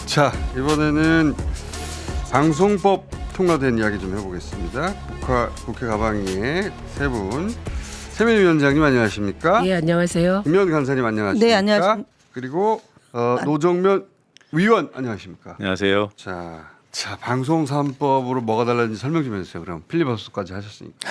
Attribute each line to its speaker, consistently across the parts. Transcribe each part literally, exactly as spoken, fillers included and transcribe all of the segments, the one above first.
Speaker 1: 자, 이번에는 방송법 통과된 이야기 좀 해보겠습니다. 국가, 국회 가방위의 세 분. 세민희 위원장님 안녕하십니까?
Speaker 2: 예, 안녕하세요.
Speaker 1: 김현 간사님 안녕하십니까?
Speaker 3: 네, 안녕하십니까?
Speaker 1: 그리고 어, 노정면 위원 안녕하십니까?
Speaker 4: 안녕하세요.
Speaker 1: 자, 자 방송 삼 법으로 뭐가 달라진지 설명 좀 해주세요. 그럼 필리버스터까지 하셨으니까.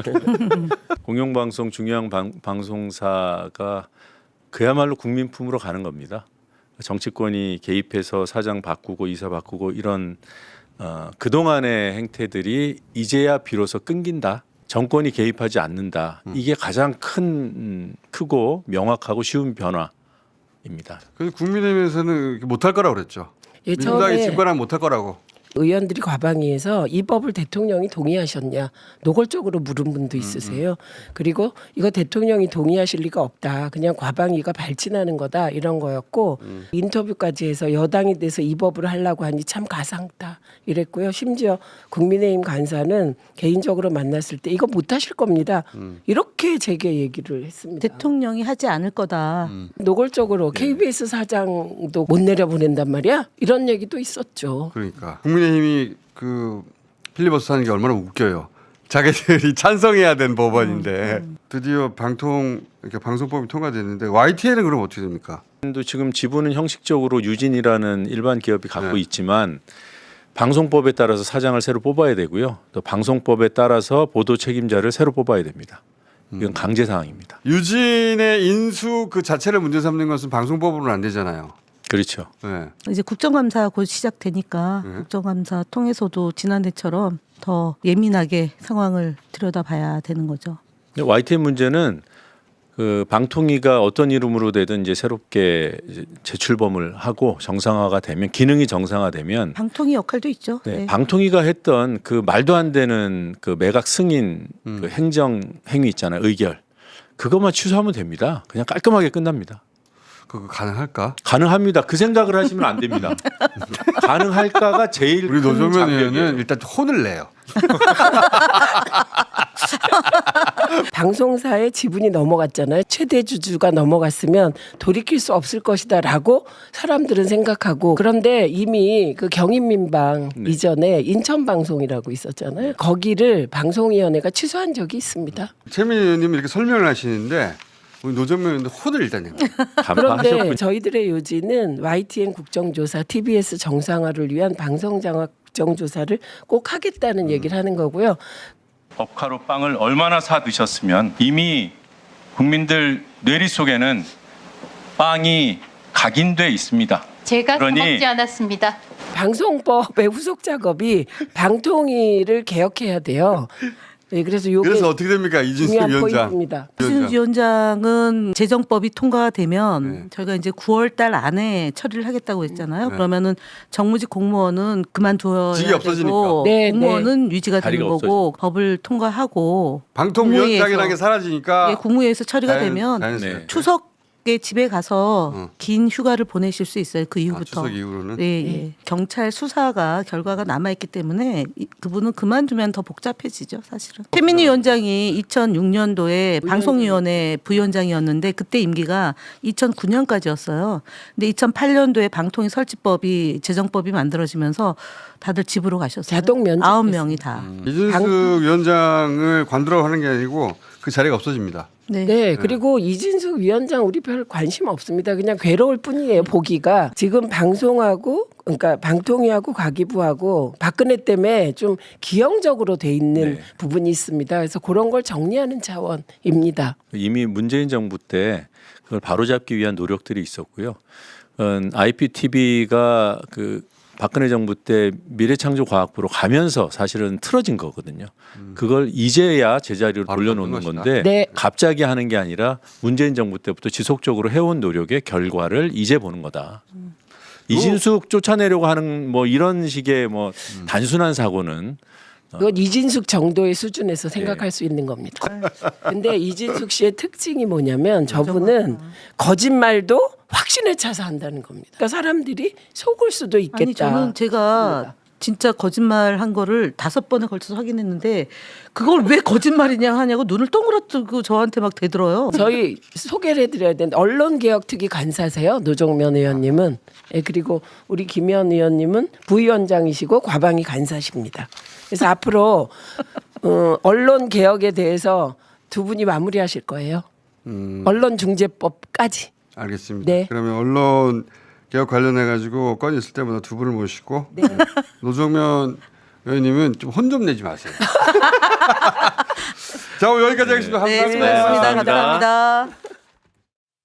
Speaker 4: 공영방송 중요한 방, 방송사가 그야말로 국민품으로 가는 겁니다. 정치권이 개입해서 사장 바꾸고 이사 바꾸고 이런 어, 그동안의 행태들이 이제야 비로소 끊긴다. 정권이 개입하지 않는다.
Speaker 1: 음.
Speaker 4: 이게 가장 큰 음, 크고 명확하고 쉬운 변화입니다.
Speaker 1: 그래서 국민의힘에서는 못할 거라고 그랬죠.
Speaker 2: 예,
Speaker 1: 민주당이
Speaker 2: 처음에
Speaker 1: 집권하면 못할 거라고.
Speaker 2: 의원들이 과방위에서 이 법을 대통령이 동의하셨냐 노골적으로 물은 분도 있으세요. 그리고 이거 대통령이 동의하실 리가 없다. 그냥 과방위가 발진하는 거다 이런 거였고
Speaker 1: 음.
Speaker 2: 인터뷰까지 해서 여당이 돼서 이 법을 하려고 하니 참 가상다 이랬고요. 심지어 국민의힘 간사는 개인적으로 만났을 때 이거 못하실 겁니다.
Speaker 1: 음.
Speaker 2: 이렇게 제게 얘기를 했습니다.
Speaker 3: 대통령이 하지 않을 거다.
Speaker 1: 음.
Speaker 2: 노골적으로 케이비에스 사장도 못 내려보낸단 말이야. 이런 얘기도 있었죠.
Speaker 1: 그러니까 국민의힘이 그 필리버스터 하는 게 얼마나 웃겨요. 자기들이 찬성해야 된 법안인데
Speaker 3: 음, 음.
Speaker 1: 드디어 방통 이렇게 방송법이 통과됐는데 와이티엔은 그럼 어떻게 됩니까?
Speaker 4: 또 지금 지분은 형식적으로 유진이라는 일반 기업이 갖고
Speaker 1: 네.
Speaker 4: 있지만 방송법에 따라서 사장을 새로 뽑아야 되고요. 또 방송법에 따라서 보도 책임자를 새로 뽑아야 됩니다. 이건 강제 사항입니다.
Speaker 1: 유진의 인수 그 자체를 문제 삼는 것은 방송법으로는 안 되잖아요.
Speaker 4: 그렇죠.
Speaker 1: 네.
Speaker 3: 이제 국정감사 곧 시작되니까
Speaker 1: 네.
Speaker 3: 국정감사 통해서도 지난해처럼 더 예민하게 상황을 들여다봐야 되는 거죠.
Speaker 4: 근데 와이티엔 문제는 그 방통위가 어떤 이름으로 되든 이제 새롭게 이제 재출범을 하고 정상화가 되면 기능이 정상화되면
Speaker 3: 방통위 역할도 있죠.
Speaker 4: 네,
Speaker 3: 네.
Speaker 4: 방통위가 했던 그 말도 안 되는 그 매각 승인
Speaker 1: 음.
Speaker 4: 그 행정 행위 있잖아요. 의결. 그것만 취소하면 됩니다. 그냥 깔끔하게 끝납니다.
Speaker 1: 그거 가능할까?
Speaker 4: 가능합니다. 그 생각을 하시면 안 됩니다. 가능할까가 제일
Speaker 1: 우리
Speaker 4: 큰
Speaker 1: 노정면
Speaker 4: 장벽이에요.
Speaker 1: 의원은 일단 혼을 내요.
Speaker 2: 방송사의 지분이 넘어갔잖아요. 최대 주주가 넘어갔으면 돌이킬 수 없을 것이다라고 사람들은 생각하고 그런데 이미 그 경인민방
Speaker 4: 네.
Speaker 2: 이전에 인천방송이라고 있었잖아요. 거기를 방송위원회가 취소한 적이 있습니다.
Speaker 1: 최민희 의원님이 이렇게 설명을 하시는데 우리 노정면 의원은 혼을 일단 내요.
Speaker 2: 그런데
Speaker 4: 간파하셨군요.
Speaker 2: 저희들의 요지는 와이티엔 국정조사, 티비에스 정상화를 위한 방송장악 국정조사를 꼭 하겠다는 얘기를 하는 거고요.
Speaker 5: 법카로 빵을 얼마나 사 드셨으면 이미 국민들 뇌리 속에는 빵이 각인돼 있습니다.
Speaker 6: 제가
Speaker 5: 그러니-
Speaker 6: 써먹지 않았습니다.
Speaker 2: 방송법의 후속 작업이 방통위를 개혁해야 돼요. 네, 그래서 요게
Speaker 1: 그래서 어떻게 됩니까? 이준수
Speaker 2: 중요한
Speaker 1: 위원장.
Speaker 2: 포인트입니다.
Speaker 3: 이준수 위원장은 재정법이 통과가 되면
Speaker 1: 네.
Speaker 3: 저희가 이제 구월 달 안에 처리를 하겠다고 했잖아요.
Speaker 1: 네.
Speaker 3: 그러면은 정무직 공무원은 그만둬야
Speaker 1: 직이
Speaker 3: 되고
Speaker 1: 없어지니까.
Speaker 2: 네,
Speaker 3: 공무원은 유지가 되는
Speaker 4: 자리가
Speaker 3: 거고 법을 통과하고
Speaker 1: 방통위원장이라는 게 사라지니까
Speaker 3: 예, 국무회에서 처리가
Speaker 1: 자연-
Speaker 3: 되면
Speaker 1: 자연스럽게.
Speaker 4: 네.
Speaker 3: 추석에 집에 가서
Speaker 1: 어.
Speaker 3: 긴 휴가를 보내실 수 있어요. 그
Speaker 1: 아,
Speaker 3: 이후부터.
Speaker 1: 추석 이후로는
Speaker 3: 예, 예. 경찰 수사가 결과가 남아있기 때문에 이- 그분은 그만두면 더 복잡해지죠, 사실은. 최민희 위원장이 이천육 년도에 방송위원회 부위원장이었는데 그때 임기가 이천구 년까지였어요. 근데 이천팔 년도에 방통위 설치법이 재정법이 만들어지면서 다들 집으로 가셨어요.
Speaker 2: 자동 면접
Speaker 3: 아홉 명이 다.
Speaker 1: 이준수
Speaker 2: 방-
Speaker 1: 위원장을 관두라고 하는 게 아니고 그 자리가 없어집니다.
Speaker 3: 네.
Speaker 2: 네, 그리고 이진숙 위원장 우리 별 관심 없습니다. 그냥 괴로울 뿐이에요. 보기가 지금 방송하고 그러니까 방통위하고 과기부하고 박근혜 때문에 좀 기형적으로 돼 있는
Speaker 4: 네.
Speaker 2: 부분이 있습니다. 그래서 그런 걸 정리하는 차원입니다.
Speaker 4: 이미 문재인 정부 때 그걸 바로잡기 위한 노력들이 있었고요. 음, 아이피티비가 그 박근혜 정부 때 미래창조과학부로 가면서 사실은 틀어진 거거든요. 그걸 이제야 제자리로
Speaker 1: 바로
Speaker 4: 돌려놓는
Speaker 1: 잡는 것이다.
Speaker 4: 건데
Speaker 2: 네.
Speaker 4: 갑자기 하는 게 아니라 문재인 정부 때부터 지속적으로 해온 노력의 결과를 이제 보는 거다. 이진숙 쫓아내려고 하는 뭐 이런 식의 뭐 단순한 사고는
Speaker 2: 그건 이진숙 정도의 수준에서 생각할 수 있는 겁니다. 근데 이진숙 씨의 특징이 뭐냐면 저분은 거짓말도 확신에 차서 한다는 겁니다. 그러니까 사람들이 속을 수도 있겠다.
Speaker 3: 아니 저는 제가 진짜 거짓말 한 거를 다섯 번에 걸쳐서 확인했는데 그걸 왜 거짓말이냐 하냐고 눈을 동그랗고 저한테 막 대들어요.
Speaker 2: 저희 소개를 해드려야 되는데 언론개혁특위 간사세요. 노정면 의원님은. 예, 그리고 우리 김현 의원님은 부위원장이시고 과방위 간사십니다. 그래서 앞으로 어, 언론개혁에 대해서 두 분이 마무리하실 거예요.
Speaker 1: 음,
Speaker 2: 언론중재법까지.
Speaker 1: 알겠습니다.
Speaker 2: 네.
Speaker 1: 그러면 언론 개혁 관련해 가지고 건이 있을 때마다 두 분을 모시고
Speaker 2: 네.
Speaker 1: 노정면 의원님은 좀 혼 좀 내지 마세요. 자, 오늘 여기까지 하겠습니다.
Speaker 3: 네,
Speaker 1: 감사합니다.
Speaker 3: 수고하셨습니다.
Speaker 4: 감사합니다.
Speaker 3: 감사합니다.